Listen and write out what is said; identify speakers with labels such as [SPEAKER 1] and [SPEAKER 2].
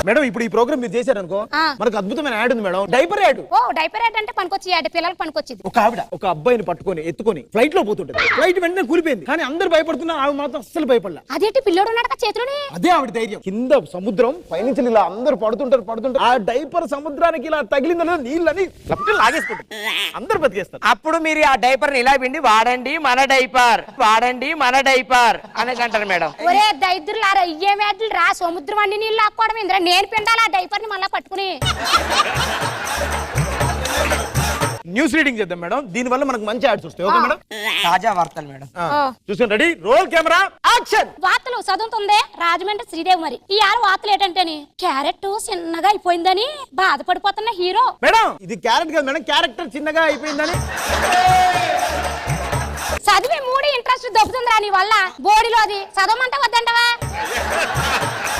[SPEAKER 1] Madam ఇప్పుడు ఈ programme మీరు చేశారనుకో మనకు అద్భుతమైన యాడ్ ఉంది మేడం, డైపర్ యాడ్.
[SPEAKER 2] ఓ డైపర్ యాడ్ అంటే పనికొచ్చి యాడ్, పిల్లలకు పనికొచ్చింది.
[SPEAKER 1] ఒక ఆవిడ ఒక అబ్బాయిని పట్టుకొని ఎత్తుకొని ఫ్లైట్ లో పోతుంటది, ఫ్లైట్ వెంటనే కూలిపోయింది, కానీ అందరు భయపడుతున్నారు, ఆవిడ మాత్రం అస్సలు భయపడలే.
[SPEAKER 2] అదేంటి పిల్లోడు ఉన్నాడు చేతులోనే,
[SPEAKER 1] అదే ఆవిడ ధైర్యం. కింద సముద్రం, పైనుంచి ఇలా అందరు పడుతుంటారు, ఆ డైపర్ సముద్రానికి ఇలా తగిలిందో నీళ్ళని లాగేసుకుంటారు, అందరు బతికేస్తారు.
[SPEAKER 3] అప్పుడు మీరు ఆ డైపర్ ని ఇలా పిండి వాడండి మన డైపర్, వాడండి మన డైపర్ అనకంటారు మేడం.
[SPEAKER 2] ఒరే దైద్రులారా, ఇయ్యే వ్యాధులు రా, సముద్రం అన్ని నీళ్ళు లాక్కోవడం ఇంద్ర, నేను పిండాలి ఆ డైపర్ ని మళ్ళా పట్టుకుని.
[SPEAKER 1] న్యూస్ రీడింగ్ చేద్దాం మేడం, దీని వల్ల మనకు మంచి యాడ్స్ వస్తాయి. ఓకే మేడం,
[SPEAKER 3] తాజా వార్తలు మేడం.
[SPEAKER 1] చూసుకోండి, రెడీ, రోల్ కెమెరా యాక్షన్.
[SPEAKER 2] వార్తలు చదువుతుందే రాజమండ్రి శ్రీదేవి. మరి ఈ ఆరు వార్తలు ఏంటంటే క్యారెట్ చిన్నగా అయిపోయిందని బాధపడిపోతున్న హీరో.
[SPEAKER 1] మేడం ఇది క్యారెట్ కాదు మేడం, క్యారెక్టర్ చిన్నగా అయిపోయిందని.
[SPEAKER 2] చదివి మూడు ఇంట్రెస్ట్ దొబ్బుతుందిరా నీ వల్ల, బోడిలోది చదవమంటే వద్దంటవా?